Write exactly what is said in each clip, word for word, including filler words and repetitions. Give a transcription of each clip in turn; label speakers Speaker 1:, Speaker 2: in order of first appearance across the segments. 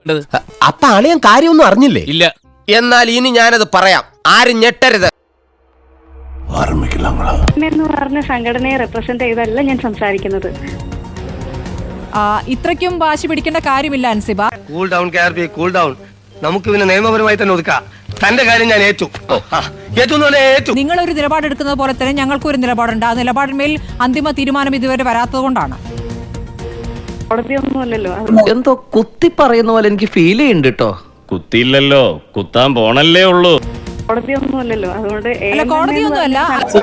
Speaker 1: അപ്പൊ അളിയൻ കാര്യമൊന്നും അറിഞ്ഞില്ലേ?
Speaker 2: ഇല്ല.
Speaker 1: എന്നാൽ ഇനി ഞാനത് പറയാം, ആരും ഞെട്ടരുത്.
Speaker 3: എന്ന് പറഞ്ഞ സംഘടനയെ റെപ്രസെന്റ് ചെയ്തല്ല ഞാൻ സംസാരിക്കുന്നത്.
Speaker 4: ഇത്രയ്ക്കും വാശി പിടിക്കേണ്ട കാര്യമില്ല അൻസിബ.
Speaker 5: കൂൾ ഡൗൺ കാർബി, കൂൾ ഡൗൺ. നമുക്ക് പിന്നെ നിയമപരമായി തന്നെ ഒതുക്കാം. തന്റെ കാര്യം ഞാൻ ഏറ്റു ഏറ്റു
Speaker 4: നിങ്ങൾ ഒരു നിലപാടെടുക്കുന്നത് പോലെ തന്നെ ഞങ്ങൾക്കും ഒരു നിലപാടുണ്ട്. ആ നിലപാടിന്മേൽ അന്തിമ തീരുമാനം ഇതുവരെ വരാത്തത് കൊണ്ടാണ്.
Speaker 3: കോടതിയൊന്നുമല്ലല്ലോ.
Speaker 6: എന്തോ കുത്തി പറയുന്ന പോലെ എനിക്ക് ഫീൽ ചെയ്യുന്നുണ്ട് കേട്ടോ.
Speaker 2: കുത്തിയില്ലല്ലോ, കുത്താൻ പോണല്ലേ ഉള്ളൂ.
Speaker 3: കോടതിയൊന്നുമല്ലല്ലോ, അതുകൊണ്ട്
Speaker 4: കോടതിയൊന്നുമല്ല.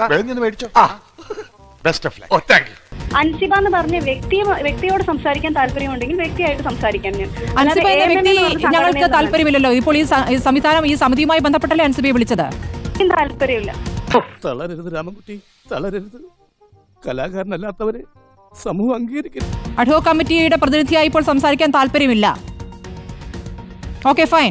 Speaker 3: അൻസിബ എന്ന് പറഞ്ഞ വ്യക്തി വ്യക്തിയോട് സംസാരിക്കാൻ താല്പര്യമുണ്ടെങ്കിൽ വ്യക്തിയായിട്ട് സംസാരിക്കാൻ ഞാൻ.
Speaker 4: അൻസിബ എന്ന വ്യക്തി ഞങ്ങൾക്ക് താല്പര്യമില്ലല്ലോ. ഇപ്പോൾ ഈ സംവിധാനം ഈ സമിതിയുമായി ബന്ധപ്പെട്ടല്ലേ അൻസിബയെ വിളിച്ചത്?
Speaker 3: താല്പര്യമില്ല.
Speaker 7: തളരരുത് രാമൻകുട്ടി, തളരരുത്. കലാകാരനല്ലാത്തവരെ സമൂഹം അംഗീകരിക്കരുത്.
Speaker 4: അഡ്ഹോക് കമ്മിറ്റിയുടെ പ്രതിനിധിയായി ഇപ്പോൾ സംസാരിക്കാൻ താല്പര്യമില്ല. Okay, fine.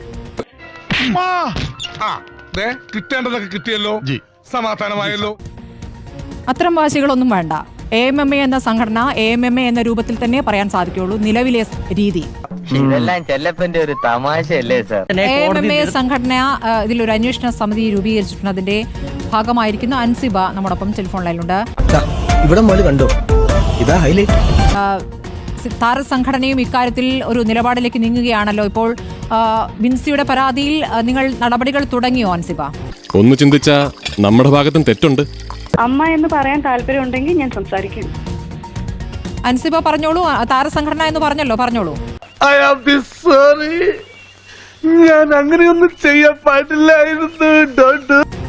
Speaker 7: കിട്ടേണ്ടതൊക്കെ കിട്ടിയല്ലോ, സമാധാനമായല്ലോ.
Speaker 4: അത്തരം വാശികളൊന്നും വേണ്ട. എ എം എം എ എന്ന സംഘടന എ എം എം എ എന്ന രൂപത്തിൽ തന്നെ പറയാൻ സാധിക്കുള്ളൂ നിലവിലെ രീതി.
Speaker 6: ഇതെല്ലാം ചെല്ലപ്പന്റെ ഒരു തമാശയല്ലേ sir?
Speaker 4: A M M A സംഘടന ഇതിലൊരു അന്വേഷണ സമിതി രൂപീകരിച്ചിട്ടുണ്ട്. അതിന്റെ ഭാഗമായിരിക്കുന്ന അൻസിബ നമ്മോടൊപ്പം ടെലിഫോൺ ലൈനിലുണ്ട്.
Speaker 1: ഇവിടെ കണ്ടോ, ഇതാ ഹൈലൈറ്റ്.
Speaker 4: താരസംഘടനയും ഇക്കാര്യത്തിൽ ഒരു നിലപാടിലേക്ക് നീങ്ങുകയാണല്ലോ. ഇപ്പോൾ വിൻസിയുടെ പരാതിയിൽ നിങ്ങൾ നടപടികൾ തുടങ്ങിയോ അൻസിബ?
Speaker 8: ഒന്ന് ചിന്തിച്ചാ നമ്മുടെ ഭാഗത്തും തെറ്റുണ്ട്.
Speaker 3: അമ്മ എന്ന് പറയാൻ താല്പര്യമുണ്ടെങ്കിൽ ഞാൻ സംസാരിക്കും.
Speaker 4: അൻസിബ പറഞ്ഞോളൂ. താരസംഘടന എന്ന് പറഞ്ഞല്ലോ, പറഞ്ഞോളൂ.
Speaker 7: ഐ ആം സോറി, ഞാൻ അങ്ങനെയൊന്നും ചെയ്യാൻ പാടില്ലായിരുന്നു.